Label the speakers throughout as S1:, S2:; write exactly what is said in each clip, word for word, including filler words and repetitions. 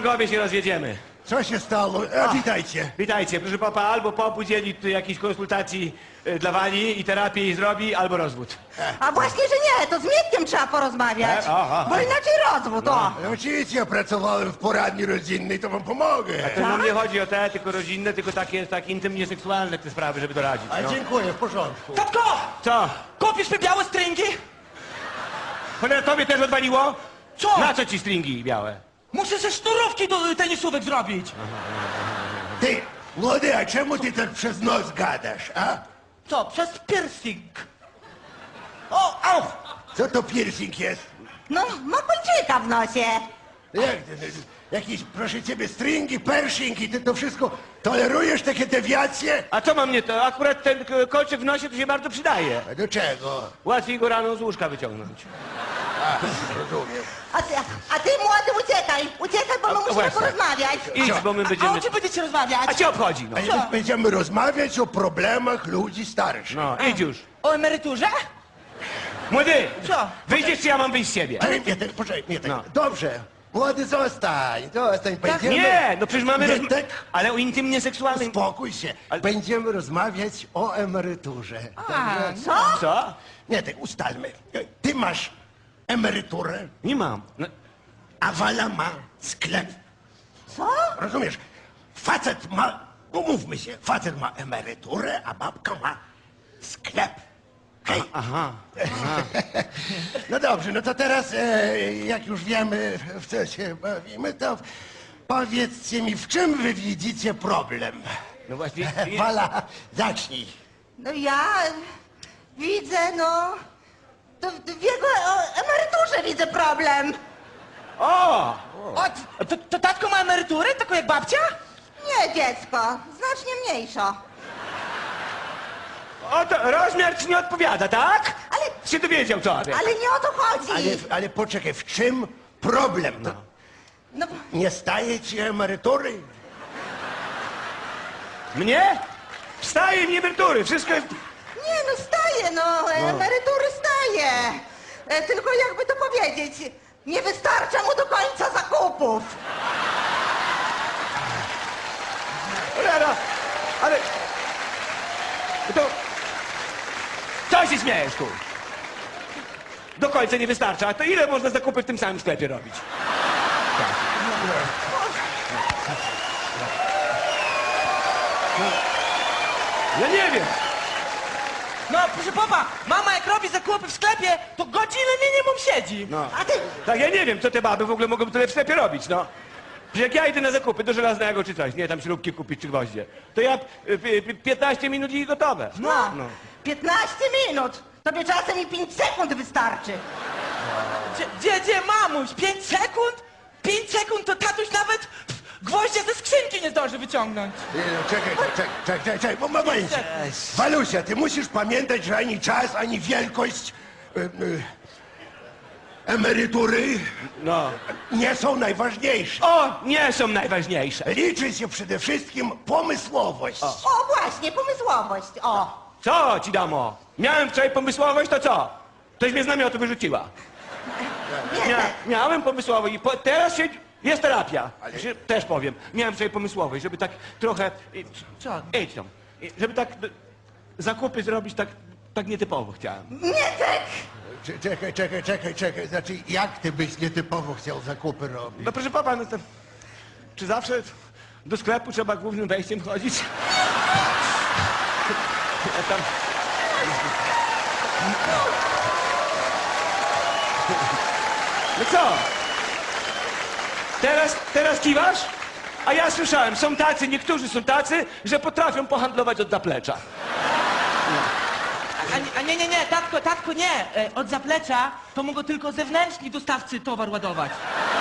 S1: panowie się rozjedziemy.
S2: Co się stało? A, witajcie.
S1: Witajcie, proszę papa, albo pop udzieli tu jakiejś konsultacji y, dla Wani i terapię jej zrobi, albo rozwód.
S3: A właśnie, że nie, to z Mietkiem trzeba porozmawiać.
S1: E, aha.
S3: Bo inaczej rozwód, o.
S2: No, oczywiście ja pracowałem w poradni rodzinnej, to wam pomogę.
S1: To nam nie chodzi o te, tylko rodzinne, tylko takie, takie intymnie seksualne te sprawy, żeby doradzić.
S2: A
S1: No.
S2: dziękuję, w porządku.
S4: Tatko!
S1: Co?
S4: Kupisz mi białe stringi?
S1: Cholera, tobie też odwaliło?
S4: Co?
S1: Na co ci stringi białe?
S4: Muszę ze sznurówki do tenisówek zrobić.
S2: Ty, młody, a czemu ty tak przez nos gadasz, a?
S4: Co? Przez piercing. O, au!
S2: Co to piercing jest?
S3: No, ma kolczyka w nosie.
S2: Jak ty, ty, jakieś, proszę ciebie, stringi, pershingi, ty to wszystko tolerujesz, takie dewiacje?
S1: A co mam nie to? Akurat ten k- kolczyk w nosie to się bardzo przydaje.
S2: A do czego?
S1: Łatwiej go rano z łóżka wyciągnąć.
S2: A, rozumiem.
S3: A ty, a ty młody, uciekaj. Uciekaj, bo my musimy
S1: właśnie.
S3: porozmawiać.
S1: Idź, bo my
S4: A
S1: będziemy...
S4: o czym będziecie rozmawiać?
S1: A cię obchodzi, no.
S2: A
S4: Co?
S2: my będziemy rozmawiać o problemach ludzi starszych.
S1: No, idź już.
S4: O emeryturze?
S1: Młody!
S4: Co?
S1: Wyjdziesz, czy ja mam wyjść z siebie?
S2: Ale nie, tak, poczekaj, nie, tak.
S1: No.
S2: Dobrze. Młody, zostań, zostań, będziemy...
S1: Nie, no przecież mamy...
S2: Nie,
S1: rozm-
S2: tak.
S1: Ale o intymnie seksualnym...
S2: Spokój się.
S1: Ale-
S2: Będziemy rozmawiać o emeryturze.
S4: A,
S3: Co?
S1: Co?
S2: Nie, tak ustalmy. Ty masz emeryturę,
S1: Nie mam. No,
S2: a Wala ma sklep.
S3: Co?
S2: Rozumiesz? Facet ma, umówmy się, facet ma emeryturę, a babka ma sklep. Hej.
S1: aha.
S2: No dobrze, no to teraz, e, jak już wiemy, w co się bawimy, to powiedzcie mi, w czym wy widzicie problem?
S1: No właśnie...
S2: Wala, zacznij.
S3: No ja widzę, no... To w jego o, emeryturze widzę problem.
S1: O!
S4: o, to, to tatko ma emeryturę, taką jak babcia?
S3: Nie, dziecko, znacznie mniejszo.
S1: O, to rozmiar ci nie odpowiada, tak?
S3: Ale,
S1: Się dowiedział co?
S3: ale nie o to chodzi.
S2: Ale, ale poczekaj, w czym problem? No.
S3: No,
S2: Nie staje ci emerytury?
S1: Mnie? Wstaje mi emerytury, wszystko jest...
S3: nie, no staje, no, emerytury staje. E, tylko jakby to powiedzieć, nie wystarcza mu do końca zakupów.
S1: Cholera, ale... To... Co się śmiejesz, tu? Do końca nie wystarcza, a to ile można zakupy w tym samym sklepie robić? Ja nie wiem.
S4: No, proszę popa, mama jak robi zakupy w sklepie, to godzinę minimum siedzi.
S1: No.
S3: A ty,
S1: Tak, ja nie wiem, co te baby w ogóle mogą tyle w sklepie robić, no. Przecież jak ja idę na zakupy do żelaznego czy coś, nie, tam śrubki kupić czy gwoździe, to ja y, y, piętnaście minut i gotowe.
S3: no,
S1: No.
S3: piętnaście minut. Tobie czasem i pięć sekund wystarczy.
S4: Gdzie, gdzie, gdzie mamuś? Pięć sekund? Pięć sekund to tatuś nawet pff, gwoździa ze skrzynki nie zdąży wyciągnąć.
S2: Nie, no, czekaj, czekaj, czekaj, czekaj, czekaj, bo momencie. Walusia, ty musisz pamiętać, że ani czas, ani wielkość y, y, emerytury
S1: No.
S2: nie są najważniejsze.
S1: O, nie są najważniejsze.
S2: Liczy się przede wszystkim pomysłowość.
S3: O, właśnie, pomysłowość, o.
S1: Co ci damo? Miałem wczoraj pomysłowość, to co? Ktoś mnie z namiotu wyrzuciła.
S3: Nie,
S1: Mia,
S3: tak.
S1: miałem pomysłowość i po, teraz się... Jest terapia. Się, też powiem. Miałem wczoraj pomysłowość, żeby tak trochę... i- Co? Idź tam. I Żeby tak d- zakupy zrobić tak, tak nietypowo chciałem.
S3: Nie, tak.
S2: Cze- Czekaj, czekaj, czekaj, czekaj. Znaczy, jak ty byś nietypowo chciał zakupy robić?
S1: No proszę pana, no to... Czy zawsze do sklepu trzeba głównym wejściem chodzić? Ja tam... No co? Teraz, teraz kiwasz? A ja słyszałem, są tacy, niektórzy są tacy, że potrafią pohandlować od zaplecza.
S4: A, a nie, nie, nie, tatko, tatko, nie. E, Od zaplecza to mogą tylko zewnętrzni dostawcy towar ładować.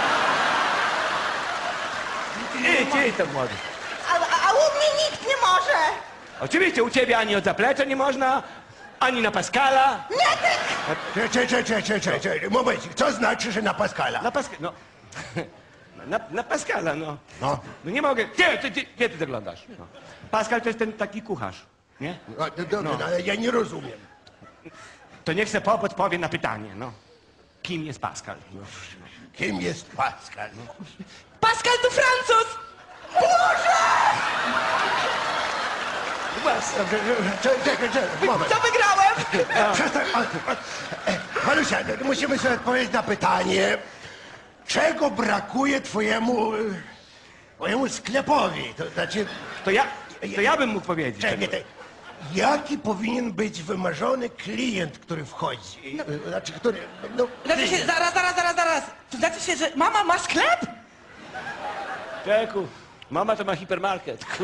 S1: Idź, idź tam młody.
S3: A, a, a u mnie nikt nie może.
S1: Oczywiście u ciebie ani od zaplecza nie można, ani na Pascala.
S3: Nie, tak.
S2: Czekaj, czekaj, czekaj, czekaj, czekaj. Momencik, co znaczy, że na Pascala?
S1: Na Pascala, no. Na, na Pascala, no.
S2: No.
S1: No nie mogę. Gdzie ty, ty, gdzie ty zaglądasz? No. Pascal to jest ten taki kucharz, nie?
S2: No, no, dobrze, no, ale ja nie rozumiem.
S1: To niech se Pop odpowie na pytanie, no. Kim jest Pascal? No.
S2: Kim jest Pascal?
S4: Pascal to Francuz!
S2: Dobrze, czekaj, czekaj, czekaj, moment.
S4: Co wygrałem?
S2: Przestań, ale- e, Malusia, musimy sobie odpowiedzieć na pytanie, czego brakuje twojemu, e, twojemu sklepowi? To znaczy,
S1: To ja, to ja bym mógł powiedzieć.
S2: czekaj, nie, te- jaki powinien być wymarzony klient, który wchodzi? E, Znaczy, który, no,
S4: Znaczy się,
S2: klient.
S4: zaraz, zaraz, zaraz, zaraz. To znaczy się, że mama ma sklep?
S1: Czeku, mama to ma hipermarket. Ku-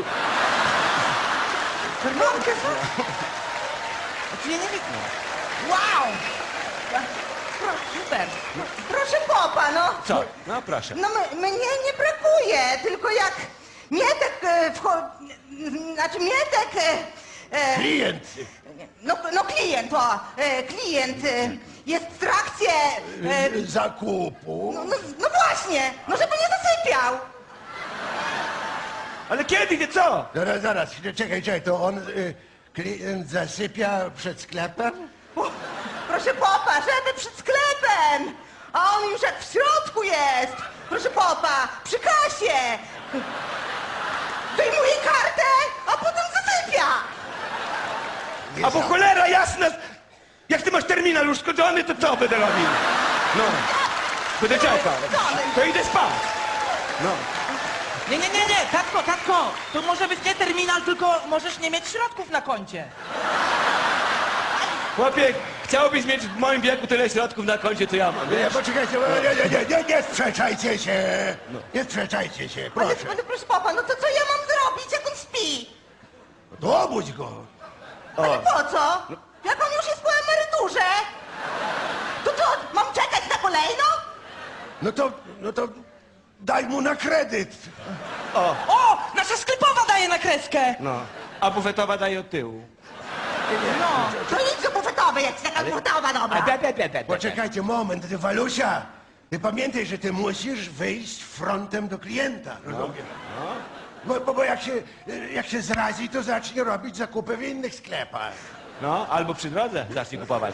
S4: Mamkę, co? Znaczy ja nie wiem. Wow! Pro, super.
S3: Proszę popa, no.
S1: Co? No proszę.
S3: No m- mnie nie brakuje, tylko jak Mietek e, wcho... Znaczy Mietek... E, e,
S2: Klient.
S3: no, no klient, o, e, klient e, jest w trakcie... E,
S2: e, Zakupu.
S3: no, no, no właśnie, no żeby nie zasypiał.
S1: Ale kiedy, nie co?
S2: Zaraz, zaraz, czekaj, czekaj, to on, y, klient zasypia przed sklepem?
S3: O, proszę popa, żeby przed sklepem. A on już jak w środku jest. Proszę popa, przy kasie. Wyjmuje kartę, a potem zasypia.
S1: A bo cholera jasna! Jak ty masz terminal już skończony, to co będę robił? No. Będę czekał. To idę spać. No.
S4: Nie, nie, nie, nie, tatko, tatko. To może być nie terminal, tylko możesz nie mieć środków na koncie.
S1: Chłopie, chciałbyś mieć w moim wieku tyle środków na koncie, co ja mam,
S2: Nie,
S1: wiesz?
S2: poczekajcie, nie, nie, nie, nie, nie sprzeczajcie się. Nie sprzeczajcie się,
S3: Ale,
S2: proszę.
S3: ale proszę popa, no to co ja mam zrobić, jak on śpi?
S2: To obudź go.
S3: Ale po co? Jak on już jest po emeryturze? To co, mam czekać na kolejną?
S2: No to, no to daj mu na kredyt.
S4: O! Nasza sklepowa daje na kreskę!
S1: No. A bufetowa daje od tyłu.
S4: No.
S3: To idź do bufetowej, jak jest taka bufetowa dobra.
S1: A be, be, be, be, be.
S2: Poczekajcie moment, ty Walusia. Ty pamiętaj, że ty musisz wyjść frontem do klienta, rozumiesz? Bo, bo, bo jak, się, jak się zrazi, to zacznie robić zakupy w innych sklepach.
S1: No, albo przy drodze zacznij kupować.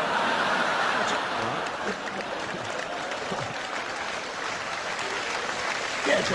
S2: Wiecie.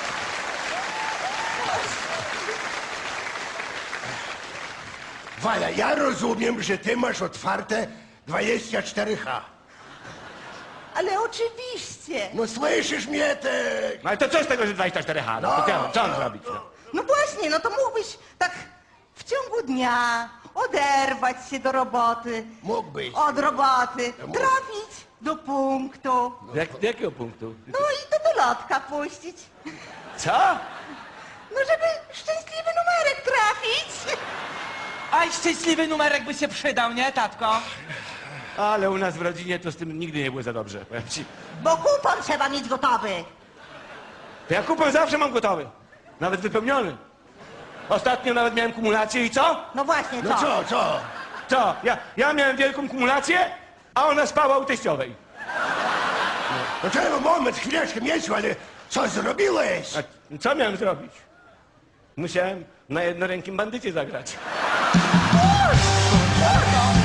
S2: Wala, ja rozumiem, że ty masz otwarte dwadzieścia cztery H.
S3: Ale oczywiście.
S2: No słyszysz mnie, ty?
S1: No ale to co z tego, że dwadzieścia cztery H? No, to co, co on zrobić? No?
S3: No właśnie, no to mógłbyś tak w ciągu dnia oderwać się do roboty.
S2: Mógłbyś.
S3: Od roboty.
S2: mógł.
S3: Trafić do punktu.
S1: Jak, do jakiego punktu?
S3: No i do dolotka puścić.
S1: Co?
S3: No żeby szczęśliwy numerek trafić.
S4: Aj, szczęśliwy numerek by się przydał, nie, tatko?
S1: Ale u nas w rodzinie to z tym nigdy nie było za dobrze, powiem ci.
S3: Bo kupon trzeba mieć gotowy.
S1: To ja kupon zawsze mam gotowy. Nawet wypełniony. Ostatnio nawet miałem kumulację i co?
S3: No właśnie, co?
S2: No co, co?
S1: Co? Ja, ja miałem wielką kumulację, a ona spała u teściowej.
S2: No czego, moment, chwileczkę, Mieciu, ale co zrobiłeś?
S1: A co miałem zrobić? Musiałem na jednorękim bandycie zagrać.
S3: Kurwa!